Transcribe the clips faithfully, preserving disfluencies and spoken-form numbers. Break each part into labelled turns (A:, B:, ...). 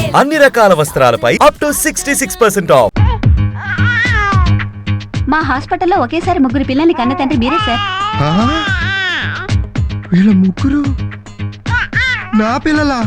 A: అన్ని రకాల వస్త్రాలపై up to sixty six percent off.
B: మా హాస్పిటల్లో ఒకేసారి ముగ్గురు పిల్లల్ని కన్న తండ్రి మీరే సార్.
C: వీళ్ళ ముగ్గురు నా పిల్లలా?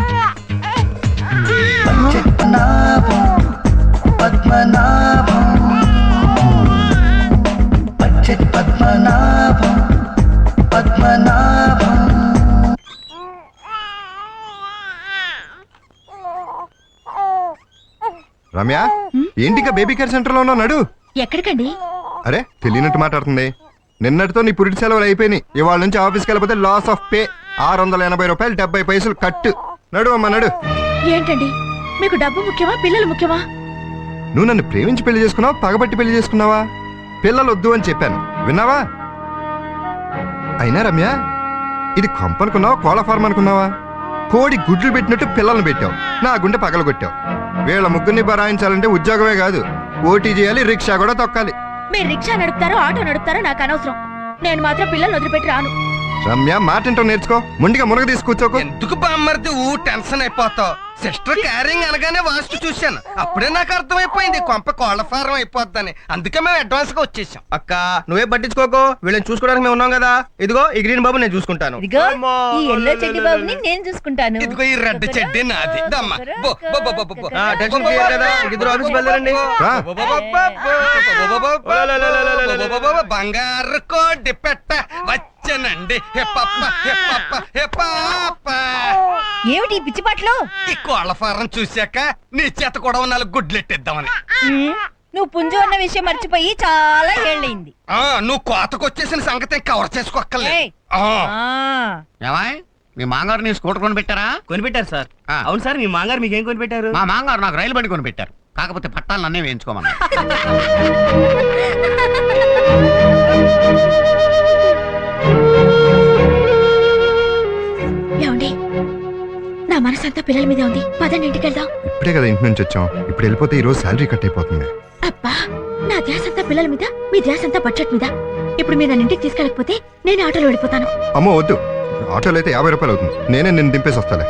C: రమ్య, ఏంటిగా బేబీ కేర్ సెంటర్ లో ఉన్నావు? నడు.
B: ఎక్కడికండి?
C: అరే తెలియనట్టు మాట్లాడుతుంది. నిన్నటితో నీ పురిటి సెలవులు అయిపోయినాయి. ఇవాళ నుంచి ఆఫీస్కి వెళ్ళిపోతే లాస్ ఆఫ్ పే. ఆరు వందల ఎనభై రూపాయలు డెబ్బై పైసలు కట్టు. నడు అమ్మా నడు.
B: ఏంటండి మీకు డబ్బు ముఖ్యమా పిల్లలు ముఖ్యమా?
C: నువ్వు నన్ను ప్రేమించి పెళ్లి చేసుకున్నావా, పగబట్టి పెళ్లి చేసుకున్నావా? పిల్లలు వద్దు అని చెప్పాను, విన్నావా? అయినా రమ్య, ఇది కొంపనుకున్నావా, కోళ్ళ ఫార్మ్ అనుకున్నావా? కోడి గుడ్లు పెట్టినట్టు పిల్లల్ని పెట్టావు, నా గుండె పగల కొట్టావు. వీళ్ళ ముగ్గురిని బరాయించాలంటే ఉద్యోగమే కాదు, ఓటీ చేయాలి, రిక్షా కూడా తొక్కాలి.
B: మీరు రిక్షా నడుపుతారో ఆటో నడుపుతారో నాకు అనవసరం. నేను మాత్రం పిల్లల్ని వదిలిపెట్టి రాను.
C: రమ్య, మాటింటో నేర్చుకో. ముందుగా మునగ తీసి కూర్చోకు.
D: ఎందుకు బామ్మర్ది ఊ టెన్షన్ అయిపోతావు? సిస్టర్ క్యారింగ్ అనగానే వాస్తు చూశాను, అప్పుడే నాకు అర్థమైపోయింది కొంప కోళ్ల ఫారం అయిపోద్దని. అందుకే మేము అడ్వాన్స్ గా వచ్చేసాం.
E: అక్క నువ్వే పట్టించుకోకు, వీళ్ళని చూసుకోవడానికి మేము ఉన్నాం కదా. ఇదిగో ఈ గ్రీన్ బాబు నేను చూసుకుంటాను.
B: ఇదిగో ఈ ఎల్లో చెడ్డి బాబుని నేను చూసుకుంటాను.
D: ఇదిగో ఈ రెడ్ చెడ్డి నాది. దమ్మా బో బో బో బో బో.
E: ఆ, టెన్షన్ క్లియర్ కదా. ఇద్దరు ఆఫీస్ వెళ్ళారండి.
C: రా.
D: బంగారు కోడి పెట్ట వచ్చనండి. హే పప్ప హే పప్ప హే పాప.
B: ఏమిటి పిచ్చి పాటలు?
D: ఈ కోళ్ల ఫారం చూశాక నీ చేత కూడా నాలుగు గుడ్లెట్టిద్దామని.
B: నువ్వు పుంజు అన్న విషయం మర్చిపోయి చాలా ఏళ్ళైంది.
D: ఆ నువ్వు కోతకొచ్చేసిన సంగతి కవర్ చేసుకోక్కర్లేదు.
F: ఏమాయ్, మీ మాంగారు నీ స్కూటర్ కొని పెట్టారా?
E: కొనిపెట్టారు సార్. అవును సార్, మీ మాంగారు మీకేం కొనిపెట్టారు?
F: మా మాంగారు నాకు రైలు బండి కొని పెట్టారు. కాకపోతే పట్టాలు నన్నే వేయించుకోమన్నా.
B: ఏమండి, నా మనసంతా పిల్లల మీద ఉంది. పదండి ఇంటికి వెళ్దాం.
C: ఇప్పుడే కదా ఇంటి నుంచి వచ్చాం. ఇప్పుడు వెళ్ళిపోతే ఈ రోజు శాలరీ కట్ అయిపోతుంది.
B: అబ్బా, నా ధ్యాస అంతా పిల్లల మీద, మీ ధ్యాస అంతా బడ్జెట్ మీద. ఇప్పుడు మీరు నన్ను ఇంటికి తీసుకెళ్ళకపోతే నేను ఆటోలో వెళ్ళిపోతాను.
C: అమ్మో వద్దు, ఆటోలో అయితే యాభై రూపాయలు అవుతుంది. నేనే నిన్ను దింపేసి వస్తాలే.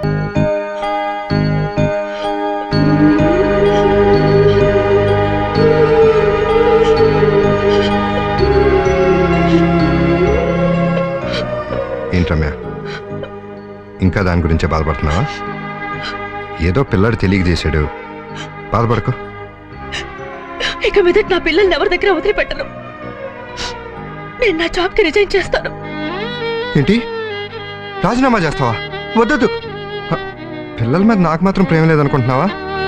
C: ఏంటమ్మా, ఇంకా దాని గురించే బాధపడుతున్నావా? ఏదో పిల్లాడు తెలియక చేశాడు, బాధపడకు.
B: ఇక మీద నా పిల్లల్ని ఎవరి దగ్గర వదిలిపెట్టను. నేను నా జాబ్ కి రిజైన్ చేస్తాను.
C: ఏంటి, రాజీనామా చేస్తావా? వద్దొద్దు. హ, పిల్లల మీద నాకు మాత్రం ప్రేమ లేదనుకుంటున్నావా?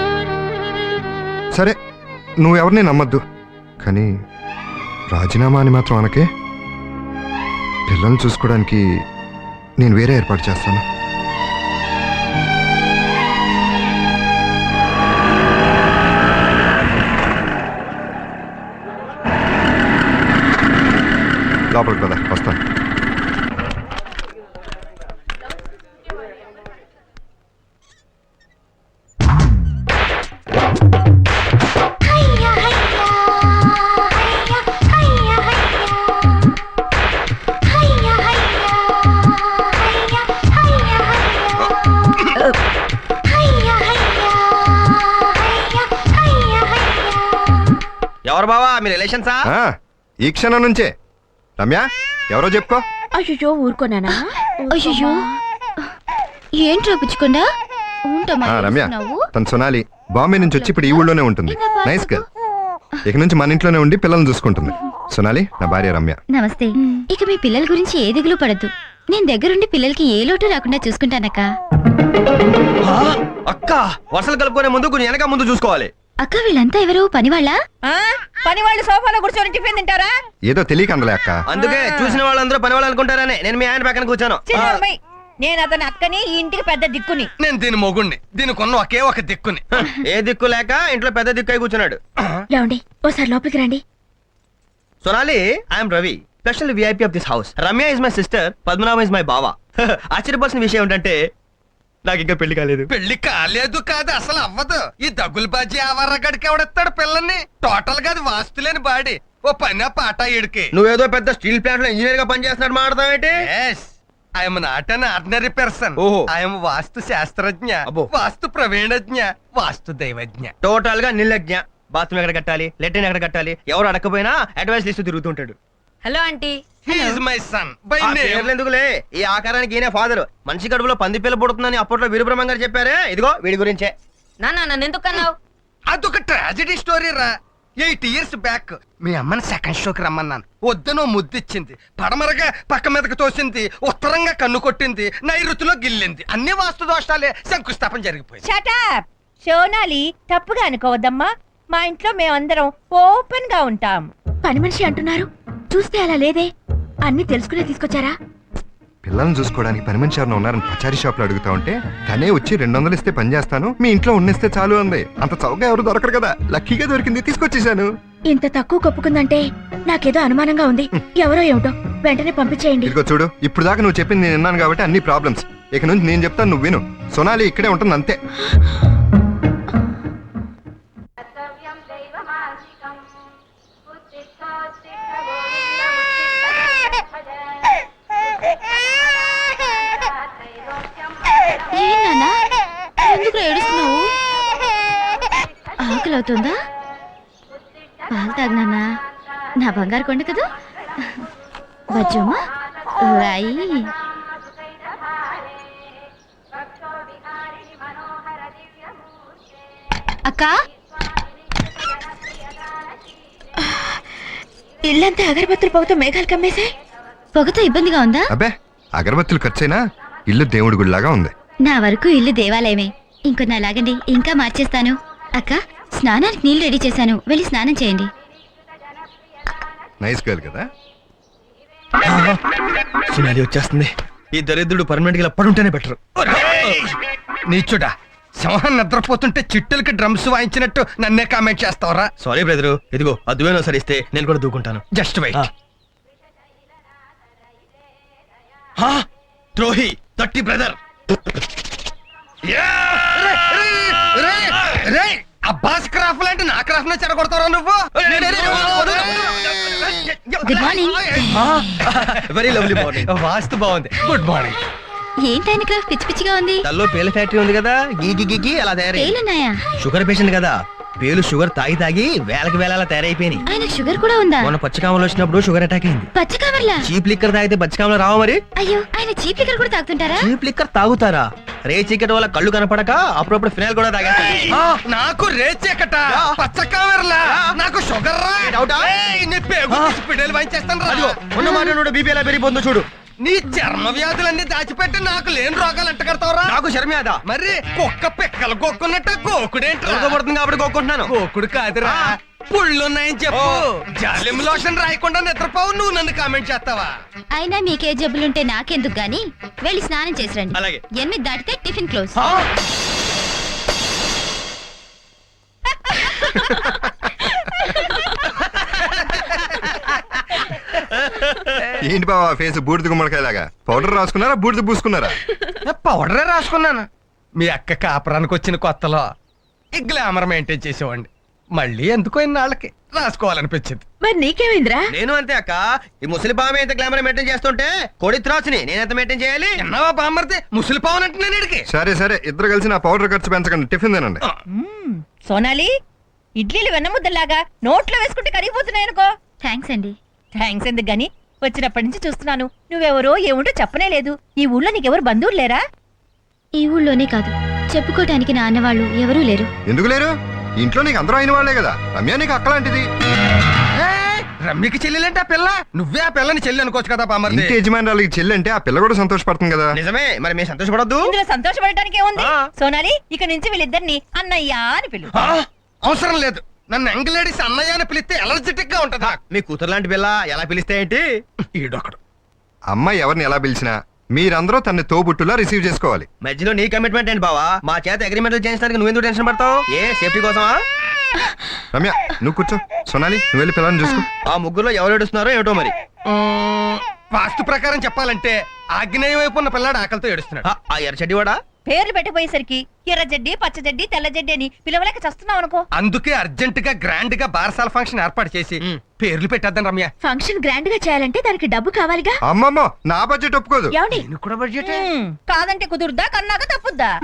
C: సరే, నువ్వెవరిని నమ్మద్దు, కానీ రాజీనామా అని మాత్రం అనకే. పిల్లల్ని చూసుకోవడానికి నేను వేరే ఏర్పాటు చేస్తాను. లోపలికి కదా, వస్తాను.
E: ఎవరు బావా, మీ రిలేషన్సా?
C: ఆ, ఈ క్షణం నుంచే. రమ్య, ఎవరో చెప్పుకో.
B: అయ్యో ఊరుకోనానా?
G: అయ్యో ఏంట్రా పుచ్చుకుండా
C: ఆ, రమ్య, తను సొనాలి. బాంబే నుంచి వచ్చి ఇప్పుడు ఈ ఊళ్ళోనే ఉంటుంది. Nice girl. ఇక నుంచి మన ఇంట్లోనే ఉండి పిల్లల్ని చూసుకుంటుంది. సొనాలి నా భార్య రమ్య.
G: నమస్తే. ఇక మీ పిల్లల గురించి ఏ దిగులు పడద్దు. నేను దగ్గరుండి పిల్లలకి ఏ లోటు రాకుండా చూసుకుంటానక్క.
E: అక్క, వర్షాలు కలుపుకునే ముందు కొంచెం వెనక ముందు చూసుకోవాలి.
G: అక్క, వీళ్ళంతా ఎవరు? పనివాళ్ళ?
B: పని వాళ్ళు సోఫాలో కూర్చొని టిఫిన్ తింటారా?
C: ఏదో తెలియక అందలే అక్క.
E: అందుకే చూసిన వాళ్ళందరూ పని వాళ్ళు అనుకుంటారని నేను మీ ఆయన పక్కన కూర్చోను.
B: నేను అతని అక్కని, ఈ ఇంటికి పెద్ద దిక్కుని.
D: నేను దీని మొగుణ్ణి, దీనికున్న ఒకే ఒక దిక్కుని.
E: ఏ దిక్కు లేక ఇంట్లో పెద్ద దిక్కు అయి కూర్చున్నాడు.
B: లేవండి, ఓసారి లోపలికి రండి.
E: Sonali, I'm Ravi, special VIP of this house. Ramya is my sister, Padmanabham is my బావా. ఆశ్చర్యపోవాల్సిన విషయం ఏంటంటే నాకు ఇంకా పెళ్లి కాలేదు.
D: పెళ్లి కాలేదు కాదు, అసలు అవ్వదు. ఈ దగ్గులు బాజీ ఆవర్రగడికి ఎవడెత్తాడు పిల్లల్ని? టోటల్ గా అది వాస్తులేని బాడీ. ఓ పని పాట ఇడికి.
E: నువ్వేదో పెద్ద స్టీల్ ప్లాంట్ లో ఇంజనీర్ గా పనిచేస్తున్నాడు మాట్లాడతావేంటి?
D: I'm not an ordinary person.
E: ఓహో.
D: ఐఎమ్ వాస్తు శాస్త్రజ్ఞ,
E: అబ్బో.
D: వాస్తు ప్రవీణజ్ఞ, వాస్తు దైవజ్ఞ.
E: టోటల్ గా నిర్లజ్ఞ. బాత్రూమ్ ఎక్కడ కట్టాలి, లెట్రిన్ ఎక్కడ కట్టాలి, ఎవరు అడగకపోయినా అడ్వైస్ ఇస్తూ తిరుగుతుంటాడు.
B: Hello aunty.
D: He is my son by
E: ఆ
D: name.
E: పేర్లు ఎందుకులే, ఈ ఆకారానికి ఈయన ఫాదర్. మనిషి కడుపులో పంది పిల్ల పుడుతుందని అప్పట్లో వీరబ్రహ్మం గారు చెప్పారే, ఇదిగో వీడి గురించే.
B: నాన్న నన్ను ఎందుకు అన్నావు?
D: అదొక ట్రాజడీ స్టోరీ రా. ఎయిట్ ఇయర్స్ బ్యాక్ మీ అమ్మని సెకండ్ షోకి రమ్మన్నాను. వద్దనో ముద్దిచ్చింది, పడమరగా పక్క మీదకి తోసింది, ఉత్తరంగా కన్ను కొట్టింది, నైరుతిలో గిల్లింది. అన్ని వాస్తు దోషాలే, శంకుస్థాపన జరిగిపోయింది.
H: షటప్ సోనాలి, తప్పుగా అనుకోవద్దమ్మా. మా ఇంట్లో మేమందరం ఓపెన్ గా ఉంటాం.
B: పని మనిషి అంటున్నారు, చూస్తే అలా లేదే. అన్ని తెలుసుకునే తీసుకొచ్చారా?
C: పిల్లల్ని చూసుకోవడానికి పని మనిషి ఎవరైనా ఉన్నారని పచారీ షాప్ లో అడుగుతా ఉంటే తనే వచ్చి రెండు వందలు ఇస్తే పని చేస్తాను, మీ ఇంట్లో ఉన్నిస్తే చాలు అంది. అంత చౌకగా ఎవరు దొరకరు కదా, లక్కీగా దొరికింది, తీసుకొచ్చేసాను.
B: ఇంత తక్కువ కప్పుకుందంటే నాకేదో అనుమానంగా ఉంది. ఎవరో ఏమిటో, వెంటనే పంపించేయండి.
C: ఇదిగో చూడు, ఇప్పుడు దాకా నువ్వు చెప్పింది నేను విన్నాను కాబట్టి అన్ని ప్రాబ్లమ్స్. ఇక నుంచి నేను చెప్తాను, నువ్వు విను. సోనాలి ఇక్కడే ఉంటుంది అంతే.
G: ఏం నాన్నా, ఎందుకు ఏడుస్తున్నావు? ఆకలి అవుతుందా? పాలు తాగు నాన్నా, నా బంగారు కొండ కదా. బజ్జమ్మా రాయి. అక్క,
B: ఇల్లంతా అగరబత్తులు పొగతో మేఘాలు కమ్మేశాయి.
G: పొగతో ఇబ్బందిగా ఉందా?
C: అబ్బే, అగరబత్తులు ఖర్చైనా ఇల్లు దేవుడి గుడిలాగా ఉంది.
G: నా వరకు ఇల్లు దేవాలయమే. ఇంకొన్ని లాగండి, ఇంకా మార్చేస్తాను. అక్క, స్నానానికి నీళ్లు రెడీ చేశాను, వెళ్ళి స్నానం చేయండి.
C: నైస్ గర్ల్ కదా.
E: సునాలి వచ్చేస్తుంది. ఈ దరిద్రుడు పర్మనెంట్ గా పడుంటేనే బెటర్.
D: నీచుడా, సింహం నిద్రపోతుంటే చిట్టులకి డ్రమ్స్ వాయించినట్టు నన్నే కామెంట్ చేస్తావరా?
E: సారీ బ్రదరు, ఇదిగో అద్దువేనో సరిస్తే నేను కూడా దూకుంటాను.
D: Just wait.
E: ద్రోహి, తట్టి బ్రదర్.
D: అబ్బాస్ క్రాఫ్ లాంటి నా క్రాఫ్ నే చెడగొడతారా నువ్వు?
G: Good morning.
E: Very lovely morning.
D: వాస్తు బాగుంది. Good morning.
G: ఏంటైన క్రాఫ్ పిచ్చి పిచ్చిగా ఉంది?
E: తల్లో పేల ఫ్యాక్టరీ ఉంది కదా, గీకి గీకి అలా తయారై.
G: పేలున్నాయా?
E: షుగర్ పేషెంట్ కదా, పేలు షుగర్ తాగి తాగి వేలకి వేల తయారైపోయినాయి.
G: ఆయన షుగర్ కూడా ఉందా?
E: మొన్న పచ్చకామలు వచ్చినప్పుడు షుగర్ అటాక్ అయింది.
G: పచ్చకామర్లా?
E: చీప్ లిక్కర్ తాగితే పచ్చకామలు రావా మరి?
G: అయ్యో, ఆయన చీప్ లిక్కర్ కూడా తాగుతుంటారా?
E: చీప్ లిక్కర్ తాగుతారా? రే చీకటి వల్ల కళ్ళు కనపడక అప్పుడప్పుడు ఫినాయిల్ కూడా తాగేస్తారు.
D: నాకు రేచెక్కట పచ్చ కామెర్లా, నాకు షుగర్ రా.
E: డౌటా?
D: ఏయ్, నీ పేగు తీసి పిడేలు వాయించేస్తాను రా.
E: ఉన్న మాట బీపీ ఎలా పెరిగిపోతుందో చూడు.
D: నీ చర్మ వ్యాధులన్నీ దాచిపెట్టి నాకు లేని రోగాలు అంటగడతావురా?
E: నాకు శర్మేద
D: మరి కుక్క పిక్కలు గోక్కున్నట్టు గోకుడేంటి?
E: పడుతుంది కాబట్టి కోరుకుంటున్నాను.
D: గోకుడు కాదురా, పుళ్ళున్నాయని చెప్పు. జాలిం లోషన్ రాయకుండా నిద్రపోవు, నువ్వు నన్ను కామెంట్ చేస్తావా?
G: అయినా మీకే జబ్బులుంటే నాకెందుకు గాని, వెళ్ళి స్నానం చేసి రండి.
E: అలాగే.
G: ఎనిమిది దాటితే టిఫిన్ క్లోజ్.
C: ఏంటి బావా ఫేస్ బూడిద గుమ్మడికాయలాగా? పౌడర్ రాసుకున్నారా, బూడిద పూసుకున్నారా?
D: పౌడరే రాసుకున్నాను. మీ అక్క కాపురానికి వచ్చిన కొత్తలో ఈ గ్లామర్ మెయింటైన్ చేసేవాడిని. మళ్ళీ ఎందుకో ఇన్నాళ్ళకి రాసుకోవాలనిపించింది.
B: మరి నీకేమైందిరా?
E: నేను అంతే అక్క. ఈ ముసలి పాము ఎంత గ్లామర్ మెయింటైన్ చేస్తుంటే కోడి త్రాసుని నేనెంత మెయింటైన్ చేయాలి?
D: ఎన్నవా బామ్మర్ది, ముసలి పావును అంటే నేను ఇడికి.
C: సరే సరే, ఇద్దరు కలిసి నా పౌడర్ ఖర్చు పెంచకండి, టిఫిన్ తినండి.
H: మ్మ్. సోనాలి, ఇడ్లీలు వెన్నముద్దలాగా నోట్లో వేసుకుంటే కరిగిపోతున్నాయి అనుకో.
G: థ్యాంక్స్ అండి.
H: థ్యాంక్స్ ఎందుకు గాని, వచ్చినప్పటి నుంచి చూస్తున్నాను నువ్వెవరో ఏముంటో చెప్పనే లేదు. ఈ ఊళ్ళో నీకెవరు బంధువులు లేరా?
G: ఈ ఊళ్ళోనే కాదు, చెప్పుకోవటానికి నా అన్నవాళ్ళు ఎవరూ లేరు.
C: ఎందుకు లేరు? ఇంట్లో నీకు అందరూ అయిన వాళ్ళే కదా. రమ్య నీకు అక్కలాంటిది.
D: ఏయ్, రమ్యకి చెల్లెలంటే ఆ పిల్ల, నువ్వే ఆ పిల్లని చెల్లి అనుకోవచ్చు కదా బామ్మర్ది.
C: ఇంటి యజమానురాలకి చెల్లి అంటే ఆ పిల్ల కూడా సంతోషపడుతుంది కదా.
E: నిజమే, మరి మేము సంతోషపడద్దు?
H: ఇందులో సంతోషపడటానికి ఏముంది?
E: ఆ.
H: సోనాలి, ఇక నుంచి వీళ్ళిద్దరిని అన్నయ్య అని పిలు.
D: ఆ, అవసరం లేదు. నన్ను ఎంగలేడీస్ అన్నయ్య అని పిలిస్తే ఎలర్జెటిక్ గా ఉంటదా?
E: మీ కూతురు లాంటి పిల్ల ఎలా పిలిస్తే ఏంటి?
D: ఈడొకడు.
C: అమ్మాయి ఎవరిని ఎలా పిలిచినా మీరందరూ తన్ని తోబుట్టులా రిసీవ్ చేసుకోవాలి.
E: మధ్యలో నీ కమిట్మెంట్ ఏంటి బావా? మా చేత అగ్రిమెంట్లు చేయించడానికి నువ్వెందుకు టెన్షన్ పడతావు? ఏ సేఫ్టీ కోసమా?
C: రమ్య నువ్వు కూర్చో, సోనాలి నువ్వు వెళ్ళి పిల్లల్ని చూసుకో.
E: ఆ ముగ్గురులో ఎవరు ఏడుస్తున్నారో ఏమిటో మరి.
D: మ్మ్, వాస్తు ప్రకారం చెప్పాలంటే ఆగ్నేయ వైపు ఉన్న పిల్లాడు ఆకలితో ఏడుస్తున్నాడు.
E: ఆ, ఆ ఎర్రచడ్డి వాడా?
H: పేర్లు పెట్టిపోయేసరికి ఎర్ర జడ్డి పచ్చ జడ్డి తెల్ల జడ్డి అని పిలవలేక చస్తున్నావు అనుకో.
D: అందుకే అర్జెంట్ గా గ్రాండ్ గా బారసాల ఫంక్షన్ ఏర్పాటు చేసి
E: మ్.
D: పేర్లు పెట్టేద్దాం రమ్య.
B: ఫంక్షన్ గ్రాండ్ గా చేయాలంటే దానికి డబ్బు కావాలిగా.
C: అమ్మమ్మో నా బడ్జెట్ ఒప్పుకోదు.
B: ఏమండి
D: నేను కూడా బడ్జెట్
H: ఉమ్, కాదంటే కుదురుద్దా కన్నాక తప్పుద్దా.